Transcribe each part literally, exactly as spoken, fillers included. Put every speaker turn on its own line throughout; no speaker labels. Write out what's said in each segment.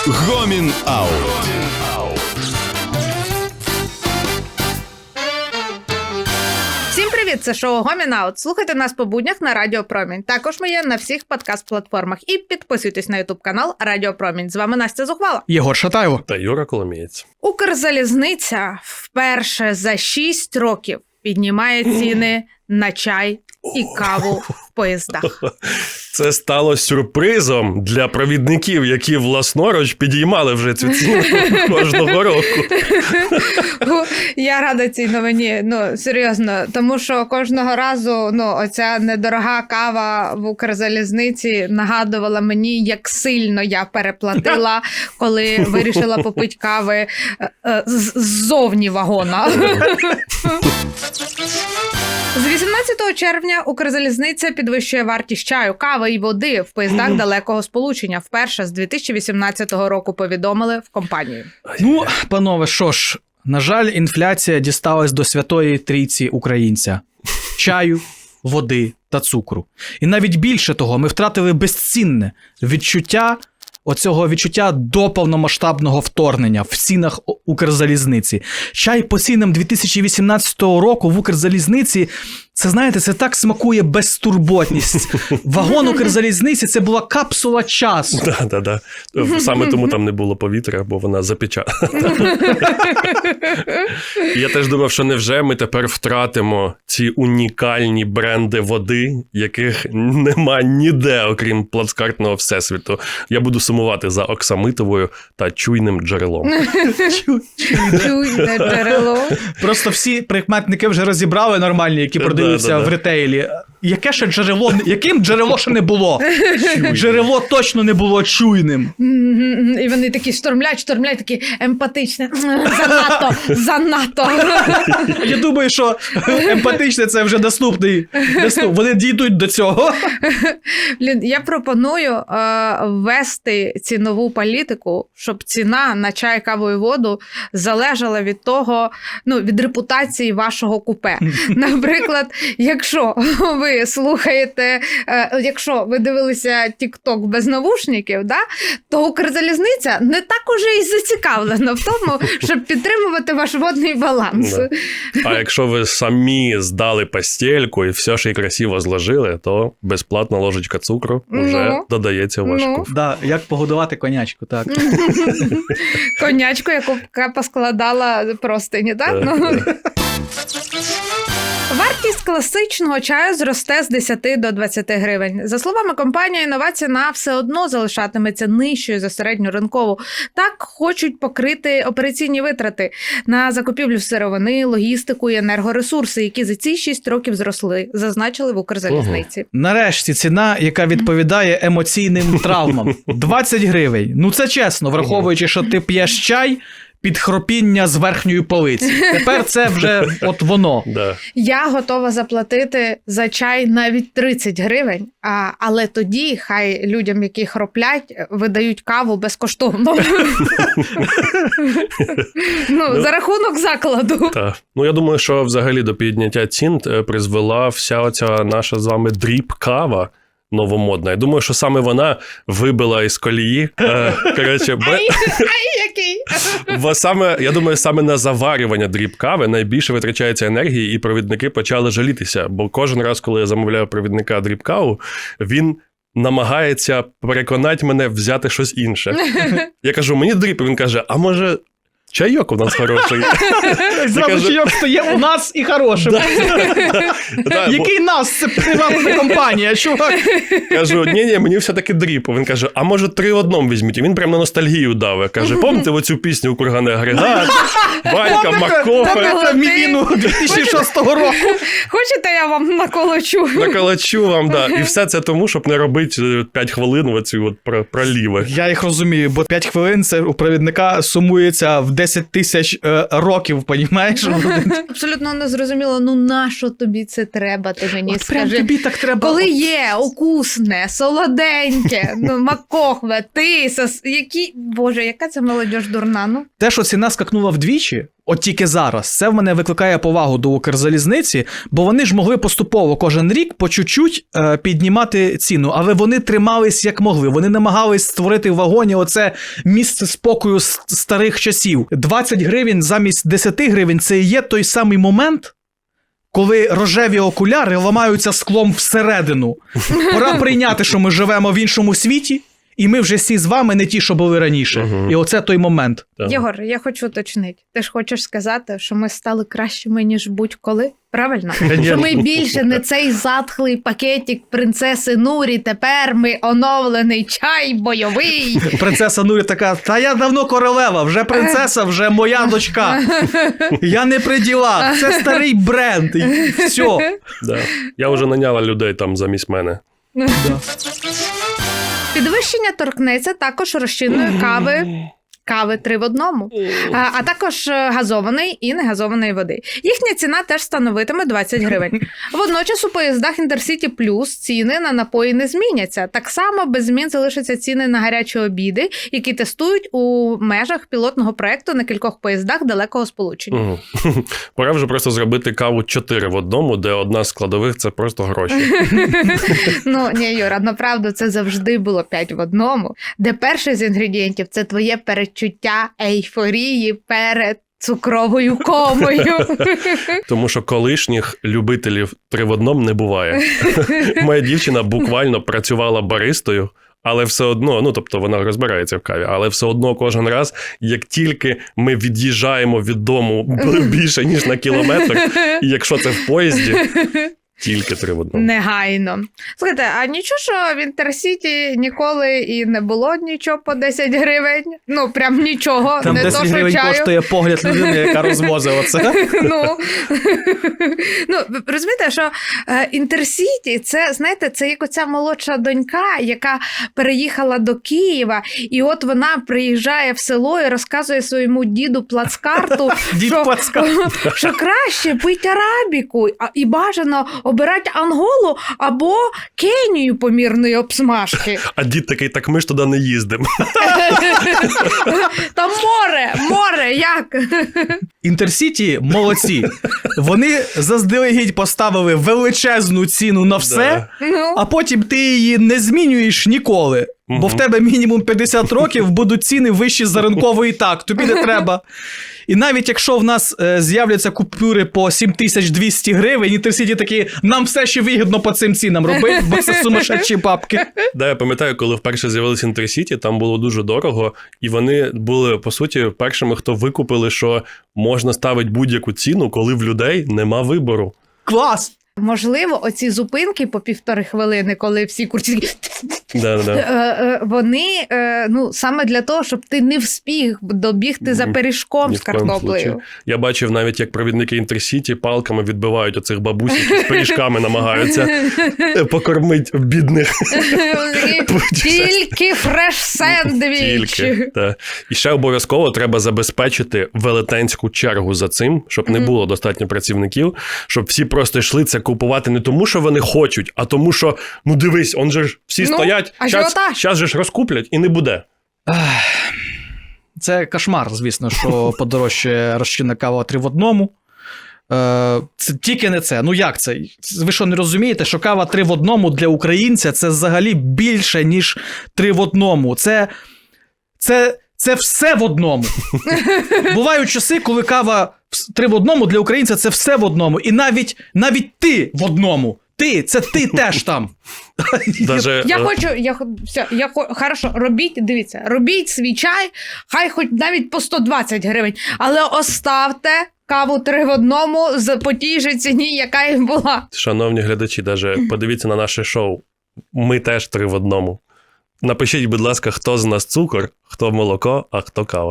Гомін Аут.
Всім привіт, це шоу Гомін Аут. Слухайте нас по буднях на Радіо Промінь. Також ми є на всіх подкаст-платформах. І підписуйтесь на ютуб-канал Радіо Промінь. З вами Настя Зухвала.
Єгор Шатайло.
Та Юра Коломієць.
Укрзалізниця вперше за шість років піднімає ціни на чай і каву в поїздах.
Це стало сюрпризом для провідників, які власноруч підіймали вже цю ціну кожного року.
Я рада цій новині, ну, серйозно, тому що кожного разу, ну, оця недорога кава в Укрзалізниці нагадувала мені, як сильно я переплатила, коли вирішила попити кави ззовні вагона. З вісімнадцятого червня Укрзалізниця підвищує вартість чаю, кави і води в поїздах далекого сполучення. Вперше з дві тисячі вісімнадцятого року повідомили в компанії.
Ну, панове, що ж, на жаль, інфляція дісталась до святої трійці українця. Чаю, води та цукру. І навіть більше того, ми втратили безцінне відчуття, оцього відчуття до повномасштабного вторгнення в цінах Укрзалізниці. Чай по цінам дві тисячі вісімнадцятого року в Укрзалізниці, це, знаєте, це так смакує безтурботність. Вагон Укрзалізниці – це була капсула часу.
Так, так, так. Саме тому там не було повітря, бо вона запечатана. Я теж думав, що невже ми тепер втратимо ці унікальні бренди води, яких нема ніде, окрім плацкартного всесвіту. Я буду сумувати за оксамитовою та чуйним джерелом.
Чуйне джерело.
Просто всі прикметники вже розібрали нормальні, які продаються
Да, да, да.
в ретейлі. Яке ще джерело? Яким джерело ще не було? Джерело точно не було чуйним.
І вони такі штормлять, штормлять, такі емпатичні. Занадто, занадто.
Я думаю, що емпатичне – це вже наступний. Наступ. Вони дійдуть до цього.
Блін, я пропоную е, ввести цінову політику, щоб ціна на чай, каву і воду залежала від того, ну, від репутації вашого купе. Наприклад, якщо ви слухаєте, е, якщо ви дивилися TikTok без навушників, да, то Укрзалізниця не так уже і зацікавлена в тому, щоб підтримувати ваш водний баланс.
Да. А якщо ви самі здали постельку і все ще й красиво зложили, то безплатна ложечка цукру вже
Ну,
додається в ваш
ну.
куф.
Да, як погодувати конячку, так.
Конячку, яку поскладала простині, так?
Так,
Ну.
так.
Вартість класичного чаю зросте з десяти до двадцяти гривень. За словами компанії, нова ціна все одно залишатиметься нижчою за середню ринкову. Так хочуть покрити операційні витрати на закупівлю сировини, логістику і енергоресурси, які за ці шість років зросли, зазначили в Укрзалізниці.
Нарешті ціна, яка відповідає емоційним травмам. двадцять гривень. Ну це чесно, враховуючи, що ти п'єш чай під хропіння з верхньої полиці. Тепер це вже от воно.
Да.
Я готова заплатити за чай навіть тридцять гривень, а, але тоді хай людям, які хроплять, видають каву безкоштовно. Ну, за рахунок закладу.
Так. Ну, я думаю, що взагалі до підняття цін е, призвела вся оця наша з вами дріп-кава новомодна. Я думаю, що саме вона вибила із колії. Е, коротше, бе...
Ай, який?
Бо саме, я думаю, саме на заварювання дріб-кави найбільше витрачається енергії, і провідники почали жалітися. Бо кожен раз, коли я замовляю провідника дріб-каву, він намагається переконати мене взяти щось інше. Я кажу, мені дріб, і він каже, а може... чайок у нас хороший.
Зразу чайок стає у нас і хорошим. Який нас? Це приватна компанія, чувак.
Кажу, ні-ні, мені все-таки дріп. Він каже, а може три в одному візьміть? І він прямо на ностальгію дав. Каже, пам'ятаєте оцю пісню у Курганий агрегат? Ванька, Макофе.
Пам'ятаєте Мівіну дві тисячі шостого року?
Хочете, я вам наколочу?
Наколочу вам, да. І все це тому, щоб не робити п'ять хвилин оці от проліви.
Я їх розумію, бо п'ять хвилин це у провідника сумується в десять тисяч е, років, понімаєш?
Абсолютно не зрозуміло, ну нащо тобі це треба, ти мені
От прям
скажи.
тобі так треба.
Коли є укусне, солоденьке, ну, макохве, тисос, які... Боже, яка це молодіж дурна, ну.
Те, що ціна скакнула вдвічі, от тільки зараз, це в мене викликає повагу до Укрзалізниці, бо вони ж могли поступово кожен рік по чуть-чуть е, піднімати ціну, але вони тримались як могли. Вони намагались створити в вагоні оце місце спокою з старих часів. двадцять гривень замість десять гривень – це і є той самий момент, коли рожеві окуляри ламаються склом всередину. Пора прийняти, що ми живемо в іншому світі, і ми вже всі з вами не ті, що були раніше. Uh-huh. І оце той момент.
Так.
Єгор, я хочу уточнити. Ти ж хочеш сказати, що ми стали кращими, ніж будь-коли? Правильно? Що ми більше не цей затхлий пакетик принцеси Нурі, тепер ми оновлений чай бойовий.
Принцеса Нурі така, та я давно королева, вже принцеса, вже моя дочка. Я не при ділах, це старий бренд, і все.
Да. Я вже наняла людей там замість мене.
Да.
Підвищення торкнеться також розчинної кави, кави три в одному, а, а також газованої і негазованої води. Їхня ціна теж становитиме двадцять гривень. Водночас у поїздах Інтерсіті Плюс ціни на напої не зміняться. Так само без змін залишаться ціни на гарячі обіди, які тестують у межах пілотного проєкту на кількох поїздах далекого сполучення.
Угу. Пора вже просто зробити каву чотири в одному, де одна з складових – це просто гроші.
Ну, ні, Юра, направду це завжди було п'ять в одному, де перший з інгредієнтів – це твоє передчуття ейфорії перед цукровою комою.
Тому що колишніх любителів три в одному не буває. Моя дівчина буквально працювала баристою, але все одно, ну, тобто вона розбирається в каві, але все одно кожен раз, як тільки ми від'їжджаємо від дому більше, ніж на кілометр, і якщо це в поїзді, тільки три в одному.
Негайно. Слухайте, а нічого, що в Інтерсіті ніколи і не було нічого по десять гривень? Ну, прям нічого.
Там
не
десять
то, що
гривень
чаю.
коштує погляд людини, яка розвозила це.
Ну, ну, ви розумієте, що е, Інтерсіті, це, знаєте, це як оця молодша донька, яка переїхала до Києва, і от вона приїжджає в село і розказує своєму діду плацкарту,
Дід
що,
плацкарт.
що краще пить арабіку, а, і бажано обирати Анголу або Кенію помірної обсмажки.
А дід такий, так ми ж туди не їздимо.
Там море, море, як?
Інтерсіті молодці. Вони заздалегідь поставили величезну ціну на все,
Да.
Ну.
а потім ти її не змінюєш ніколи. Бо
Мгм.
в тебе мінімум п'ятдесят років будуть ціни вищі за ринкової, так, тобі не треба. І навіть якщо в нас е, з'являться купюри по сім тисяч двісті гривень, Інтерсіті такі, нам все ще вигідно по цим цінам робити, бо це сумасшедші бабки.
Да, я пам'ятаю, коли вперше з'явилися Інтерсіті, там було дуже дорого, і вони були, по суті, першими, хто викупили, що можна ставити будь-яку ціну, коли в людей нема вибору.
Клас!
Можливо, оці зупинки по півтори хвилини, коли всі курці,
Да, да.
е, е, вони е, ну, саме для того, щоб ти не вспів добігти за пиріжком
Ні
з
в коєму
картоплею.
случаю. Я бачив навіть, як провідники Інтерсіті палками відбивають оцих бабусь, які з пиріжками намагаються покормити бідних.
Тільки фреш-сендвіч.
Тільки, та. І ще обов'язково треба забезпечити велетенську чергу за цим, щоб не було достатньо працівників, щоб всі просто йшли це купувати не тому, що вони хочуть, а тому, що, ну дивись, он же ж всі
Ну,
стоять,
ажіотаж.
зараз же ж розкуплять і не буде.
Це кошмар, звісно, що подорожчає розчинна кава три в одному. Е, це тільки не це. Ну як це? Ви що, не розумієте, що кава три в одному для українця це взагалі більше, ніж три в одному. Це, це, це все в одному. Бувають часи, коли кава три в одному для українця це все в одному. І навіть, навіть ти в одному. Ти, це ти теж там.
Даже,
Я
е,
хочу, я, хо- все, я, хо- хорошо, робіть, дивіться, робіть свій чай, хай хоч навіть по сто двадцять гривень, але оставте каву три в одному за- по тій же ціні, яка і була.
Шановні глядачі, даже подивіться на наше шоу. Ми теж три в одному. Напишіть, будь ласка, хто з нас цукор, хто молоко, а хто кава.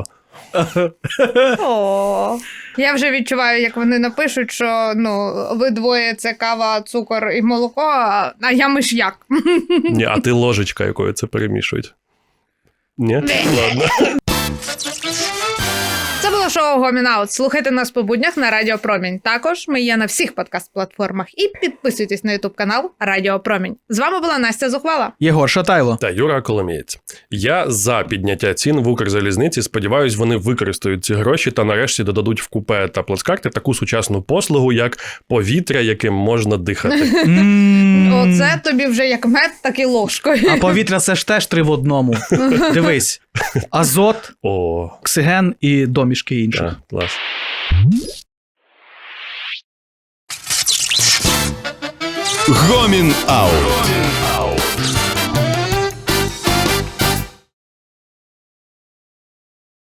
О, я вже відчуваю, як вони напишуть, що ну, ви двоє це кава, цукор і молоко, а а я миш'як.
Ні, а ти ложечка, якою це перемішують. Ні? Ладно.
Це була було шоу Гомінаут. Слухайте нас по буднях на Радіо Промінь. Також ми є на всіх подкаст-платформах. І підписуйтесь на ютуб канал Радіо Промінь. З вами була Настя Зухвала.
Єгор Шатайло.
Та Юра Коломієць. Я за підняття цін в Укрзалізниці. Сподіваюсь, вони використають ці гроші та нарешті додадуть в купе та плацкарти таку сучасну послугу, як повітря, яким можна дихати.
Оце тобі вже як мед, так і ложкою.
А повітря це ж теж три в одному. Дивись. Азот,
О,
оксиген і домішки інших.
так, клас.
Гомін Аут.